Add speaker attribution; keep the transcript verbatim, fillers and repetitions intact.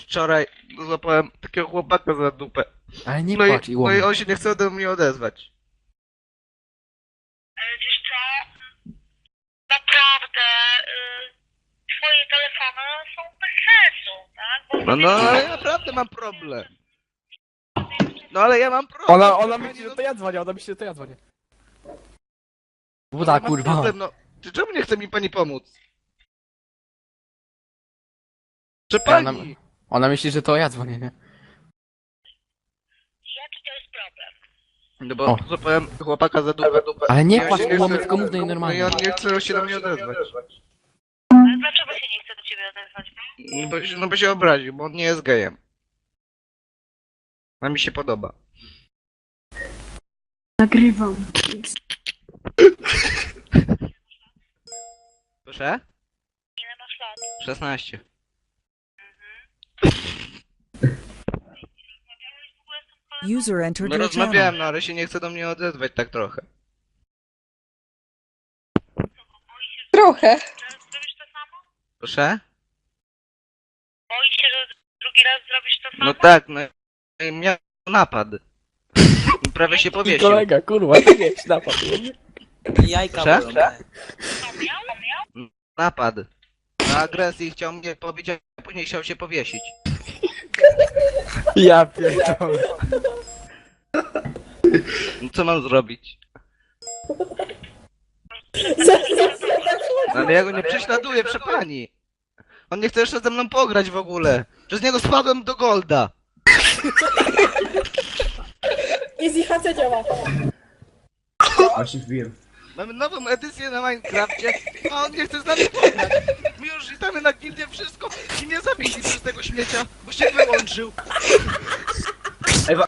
Speaker 1: wczoraj złapałem takiego chłopaka za dupę.
Speaker 2: Ale nie
Speaker 1: No i,
Speaker 2: płacz i
Speaker 1: no i
Speaker 2: łomot.
Speaker 1: on się nie chce do mnie odezwać.
Speaker 3: Ale wiesz co? Naprawdę, y, twoje telefony są bez sensu, tak? Bo
Speaker 1: No, no, ale ja naprawdę mam problem. No ale ja mam problem.
Speaker 4: Ona, ona
Speaker 1: pani,
Speaker 4: myśli,
Speaker 1: no,
Speaker 4: że to ja dzwonię, ona myśli, że to ja dzwonię.
Speaker 2: Buda,
Speaker 1: ja mam
Speaker 2: kurwa.
Speaker 1: problem, no. Czy czemu nie chce mi pani pomóc? Czy
Speaker 2: Ona,
Speaker 1: pani?
Speaker 2: ona myśli, że to ja dzwonię, nie?
Speaker 3: jaki to jest problem?
Speaker 1: No bo
Speaker 2: O.
Speaker 1: złapałem chłopaka za dupę.
Speaker 2: Ale nie
Speaker 1: Ja
Speaker 2: płacz
Speaker 1: się
Speaker 2: i
Speaker 1: nie
Speaker 2: łomot,
Speaker 1: chcę-
Speaker 2: tylko mów do niej
Speaker 1: No i
Speaker 2: normalnie.
Speaker 1: on nie chce się do mnie odezwać.
Speaker 3: Ale dlaczego się nie chce do ciebie odezwać?
Speaker 1: No bo, się- no bo się obraził, bo on nie jest gejem. A mi się podoba.
Speaker 5: Nagrywam.
Speaker 1: Proszę?
Speaker 3: Ile masz lat?
Speaker 1: szesnaście.
Speaker 6: User entered
Speaker 1: No
Speaker 6: your channel.
Speaker 1: rozmawiałem, no ale się nie chce do mnie odezwać tak trochę.
Speaker 7: Trochę.
Speaker 3: Czy zrobisz to samo?
Speaker 1: Proszę?
Speaker 3: Boi się, że drugi raz zrobisz to samo?
Speaker 1: No tak, no i miał napad. Prawie się
Speaker 4: I
Speaker 1: powiesił.
Speaker 4: kolega, kurwa, ty nie napad.
Speaker 8: Jajka
Speaker 1: Proszę?
Speaker 8: bolą, nie?
Speaker 3: Co miał? miał?
Speaker 1: Napad. Na agresji chciał mnie pobić, a później chciał się powiesić.
Speaker 4: Ja pierdolę.
Speaker 1: No co mam zrobić? No, ale ja go nie prześladuję, proszę pani. On nie chce jeszcze ze mną pograć w ogóle. Przez niego spadłem do Golda.
Speaker 7: Easy H C działa.
Speaker 1: Mamy nową edycję na Minecrafcie, a on nie chce z nami pograć. My już witamy na gildię wszystko i mnie zabili przez tego śmiecia, bo się wyłączył.